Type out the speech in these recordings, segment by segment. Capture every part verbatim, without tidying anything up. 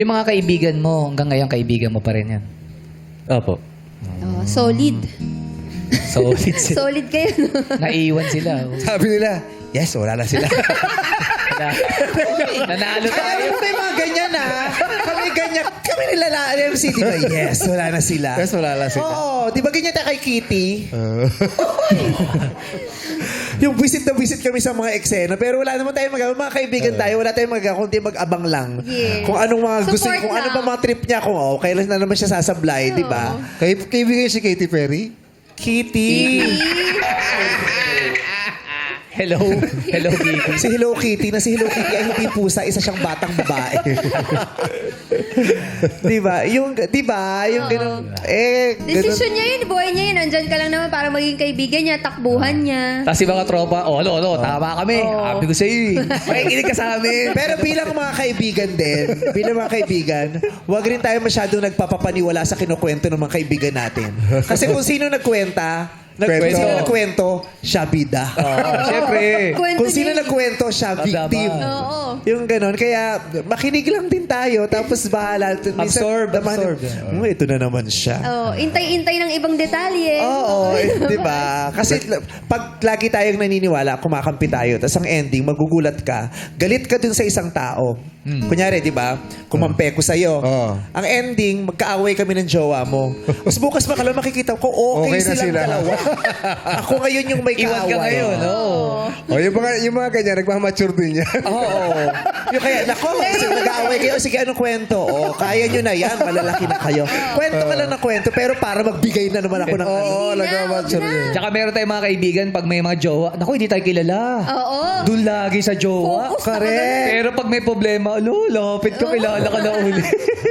Yung mga kaibigan mo, hanggang ngayon kaibigan mo pa rin yan. Opo. Oh, solid. Solid sila. Solid kayo, no? Naiiwan sila. Sabi nila, yes, wala na sila. Nanalo Ay, tayo. alam mo, may mga ganyan ha. Kami ganyan. Kami nila na M C, di ba? Yes, wala na sila. Yes, wala na sila. Oo, di ba ganyan tayo kay Kitty? Yung visit na visit kami sa mga eksena, pero wala naman tayong magagawa. Mga kaibigan tayo, wala tayong magagawa, kundi mag-abang lang. Yes. Kung anong mga gusto, Support kung ano lang. ba mga trip niya, kung oh, kailan na naman siya sasablay, di ba? Kay kaibigan si Katy Perry? Kitty. Hello. Hello, Kitty. Si Hello Kitty, na si Hello Kitty ay hindi pusa, isa siyang batang babae. di ba? Yung, di ba? Yung ganun. Eh, ganun. Desisyon niya yun, buhay niya yun. Nandyan ka lang naman para maging kaibigan niya, takbuhan niya. Tapos yung mga tropa, oh, ano, ano, tama kami. Sabi ko sa'yo eh. Makikinig ka sa amin. Pero bilang mga kaibigan din, bilang mga kaibigan, huwag rin tayo masyadong nagpapapaniwala sa kinukwento ng mga kaibigan natin. Kasi kung sino nagkwenta, nag- kung Kwento. sino nagkwento, siya bida. Oo, syempre. Kwento Kung sino niya yun. nagkwento, siya victim. Oo. Yung ganon. Kaya makinig lang din tayo, tapos bahala. Minsan, Absorb, naman, absorb. "Hmm, ito na naman siya. Oh, intay-intay ng ibang detalye. Oo, eh, di ba? Kasi pag lagi tayong naniniwala, kumakampi tayo, tapos ang ending, magugulat ka, galit ka dun sa isang tao. Kunyari, di ba? Kumampe ko sa'yo. Oo. Ang ending, magkaaway kami ng jowa mo. Tapos bukas makalawa makikita ko, okay, Okay na silang sila. dalawa. Ako ngayon yung may Iwan kaaway. ka ngayon, oo. O, yung mga, yung mga ganyan, nagmamature din yan. Oo. Yung kaya, nako, kasi nag-aaway kayo, sige, anong kwento? O, kaya nyo na yan, malalaki na kayo. Kwento ka lang ng kwento, pero para magbigay na naman ako ng ano. Oo, Hindi na, nagmamature wag na. din. Tsaka meron tayong mga kaibigan, pag may mga jowa, naku, hindi tayo kilala. Oo. Doon lagi sa jowa. Focus na Correct. Pero pag may problema, alo, lapit ko, kilala ka na uli.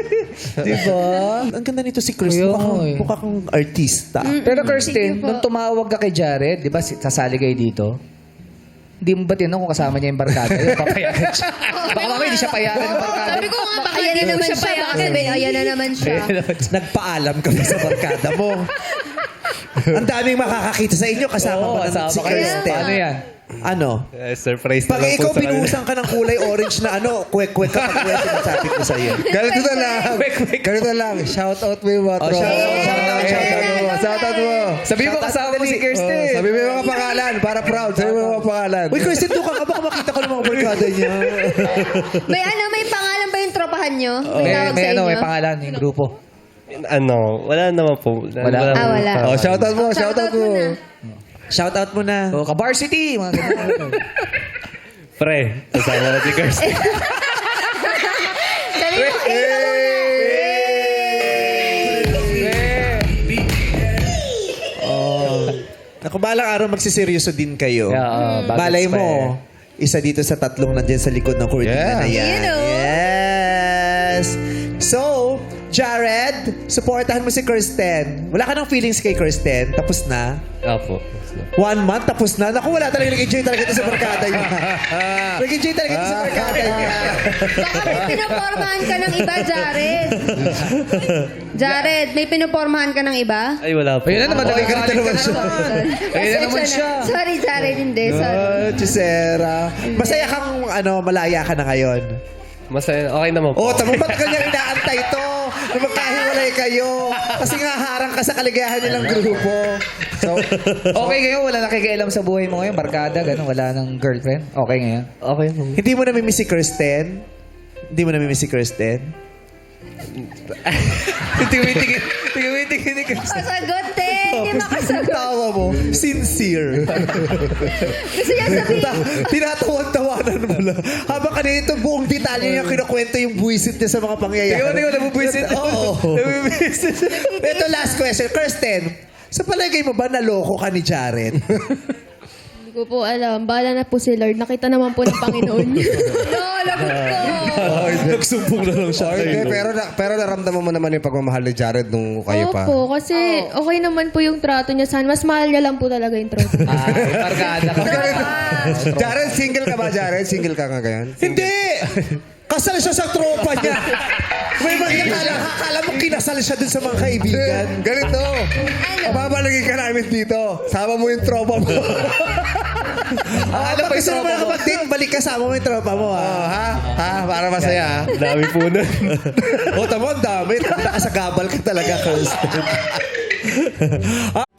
Di ba? Ang ganda nito si Chris. Kaya Mukha kang, nga eh. mukha kang artista. Pero Kirsten, Sige po. nung tumawag ka kay Jared, di ba, si- sasali kayo dito? Hindi mo ba tinanong kung kasama niya yung barkada? Yung papayagan siya. Baka mamaya hindi siya payagan ng barkada. Sabi ko nga, baka Ayan hindi na mo naman siya siya. Baka payagan. sabihin, ayan na naman siya. Nagpaalam kami sa barkada mo. Ang daming makakakita sa inyo kasama Oo, pa ng kasama si kayo. Kristen. Paano yan? Ano? Eh, surprise na Pag lang po ikaw sa kanila. binuhusan ka ng kulay orange na ano, kwek-kwek ka pag kwek sinasabi ko sa iyo. Ganito na lang. Ganito lang. Shout out mo yung mga Oh, tropa. shout out, shout out, shout out. mo. Shout out mo. Sabi mo kasama mo si Kirsten. Oh, sabi mo yung mga pangalan. Para proud. Sabi mo yung mga pangalan. Uy, Kristen, doon ka ka. Baka makita ko ng mga barkada niya. May ano, may pangalan ba yung tropahan nyo? May May, tawag may sa ano, inyo? may pangalan, yung grupo. Ano, wala naman po. Wala. Ah, wala. Oh, shout out mo. Shout out mo. Shout out mo na. So, Ka-Varsity, mga ganun. Pre, kasama ko si Kirsten. Sabi mo, eh, Naku, balang araw magsiseryoso din kayo. Yeah, uh, bagets Balay pa mo, isa dito sa tatlong nandyan sa likod ng kurtina Yeah. na yan. You know. Yes! So, Jared, supportahan mo si Kirsten. Wala ka ng feelings kay Kirsten. Tapos na. Opo. One month, tapos na. Naku, wala talaga. Nag-enjoy talaga ito sa barkada niya. Nag-enjoy talaga ito sa barkada niya. baka may pinopormahan ka ng iba, Jared. Jared, may pinopormahan ka ng iba? Ay, wala po. Ayun na naman, Okay, nagagalit ganito naman ka siya. naman. Ayun na Pasensya naman na. siya. Sorry, Jared, hindi. Sorry. Ah, Chisera. Masaya kang, ano, malaya ka na ngayon. Masaya. Okay naman po. Oh, tamo ba't kanyang inaantay to? Na magkahiwalay kayo. Kasi nga harang ka sa kaligayahan nilang grupo. So, okay ngayon, wala nakikialam sa buhay mo ngayon, barkada, ganun, wala nang girlfriend. Okay ngayon. Okay po. Hindi mo namimiss si Kirsten? Hindi mo namimiss si Kirsten? Tingin-tingin, tingin-tingin ni Kirsten. Kasagot eh. Hindi makasagot. Tawa mo, sincere. Gusto niya sabihin. Ta- Tinatawan-tawanan mo lang. Habang kanina ito, buong detalye niya kinukwento yung buwisit niya sa mga pangyayari. Tingnan mo, tingnan mo, nabubwisit. Oo. Nabubwisit. Ito last question. Kirsten, sa palagay mo ba naloko ka ni Jared? Hindi ko po alam. Bahala na po si Lord. Nakita naman po ng Panginoon. No, lagot ko. Nagsumbong na lang siya. Oh, hindi, pero, na, pero naramdaman mo naman yung pagmamahal ni Jared nung kayo pa. Opo, kasi okay naman po yung trato niya. San, mas mahal niya lang po talaga yung trato niya. Ah, may barkada ka. Jared, single ka ba, Jared? Single ka nga ngayon? Hindi! Kasal siya sa tropa niya. May magkakala, akala mo kinasal siya dun sa mga kaibigan. Ganito. Babalagin ka namin dito. Sama mo yung tropa mo. Ah, Ano pa yung gusto mo tropa na mo? mag-date, balik kasama mo yung tropa mo, ha? Oh, ha? Ha? Para masaya, ha? Dami po nun. O, tamo, ang dami. Nakasagabal ka talaga, Kirsten.